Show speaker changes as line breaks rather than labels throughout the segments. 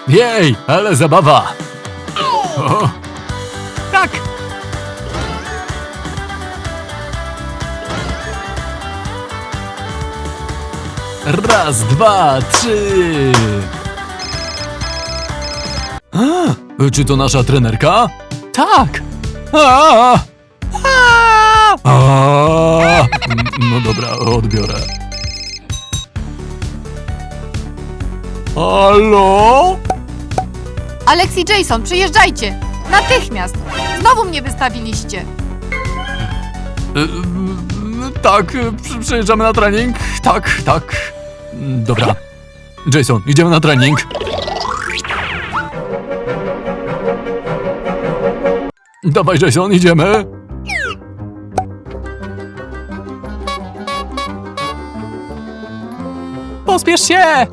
Jej, ale zabawa! O,
Tak!
raz, dwa, trzy! Czy to nasza trenerka?
Tak!
A! A! No dobra, odbiorę. Halo?
Alex i Jason, przyjeżdżajcie! Natychmiast! Znowu mnie wystawiliście!
Tak, przyjeżdżamy na trening. Tak, tak. Dobra. Jason, idziemy na trening. Dawaj, Jason, idziemy.
Pospiesz się!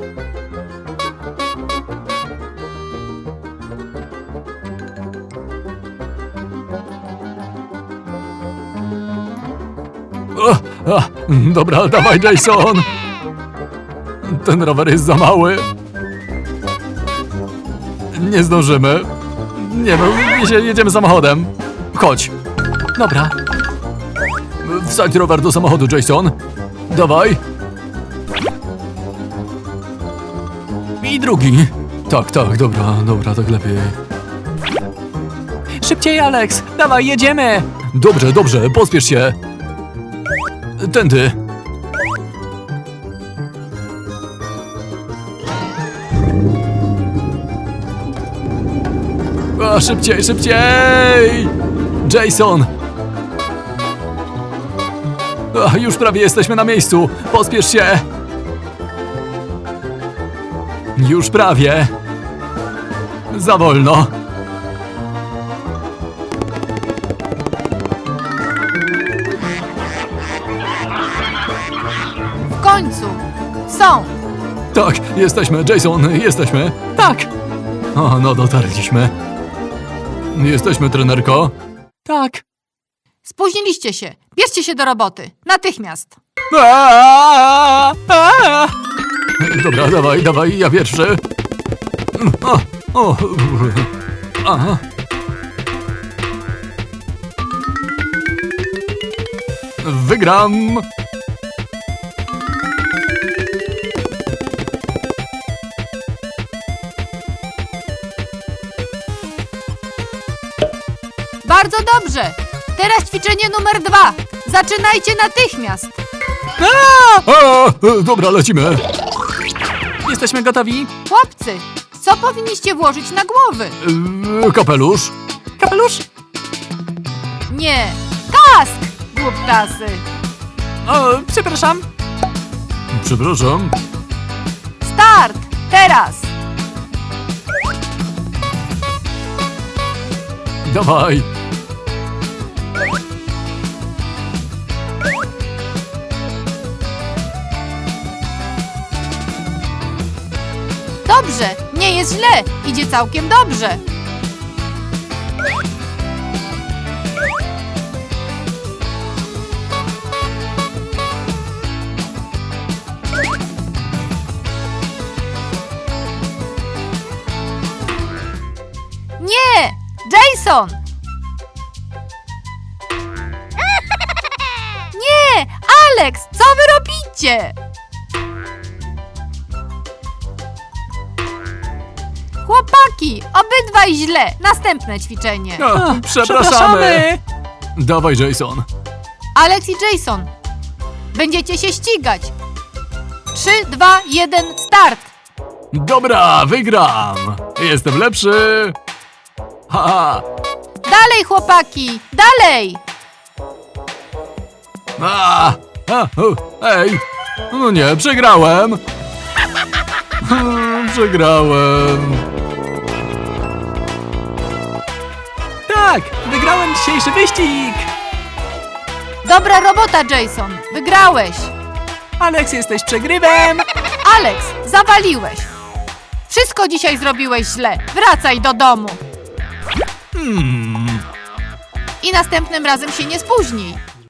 Dobra, dawaj, Jason. Ten rower jest za mały. Nie zdążymy. Nie no, jedziemy samochodem. Chodź.
Dobra.
Wsadź rower do samochodu, Jason. Dawaj. I drugi. Tak, tak, dobra, tak lepiej.
Szybciej, Alex! Dawaj, jedziemy!
Dobrze, pospiesz się. Tędy. Szybciej! Jason! Już prawie jesteśmy na miejscu. Pospiesz się. Już prawie. Za wolno.
W końcu! Są!
Tak, jesteśmy, Jason, jesteśmy.
Tak!
O, no dotarliśmy. Jesteśmy, trenerko.
Tak!
Spóźniliście się! Bierzcie się do roboty! Natychmiast!
Dobra, dawaj, ja pierwszy. Aha. Wygram.
Bardzo dobrze! Teraz ćwiczenie numer 2! Zaczynajcie natychmiast!
Dobra, lecimy.
Jesteśmy gotowi?
Chłopcy, co powinniście włożyć na głowy?
Kapelusz.
Kapelusz?
Nie! Kask! Głuptasy!
O, przepraszam.
Przepraszam.
Start! Teraz!
Dawaj.
Dobrze! Nie jest źle! Idzie całkiem dobrze! Nie! Jason! Nie! Alex! Co wy robicie? Chłopaki! Obydwaj źle! Następne ćwiczenie!
Przepraszamy. Dawaj, Jason.
Alex i Jason! Będziecie się ścigać! 3, 2, 1, start!
Dobra, wygram. Jestem lepszy. Ha.
Dalej, chłopaki! Dalej!
Ej. No nie, przegrałem. Przegrałem.
Tak! Wygrałem dzisiejszy wyścig!
Dobra robota, Jason! Wygrałeś!
Alex, jesteś przegrywem!
Alex, zawaliłeś! Wszystko dzisiaj zrobiłeś źle! Wracaj do domu! I następnym razem się nie spóźnij!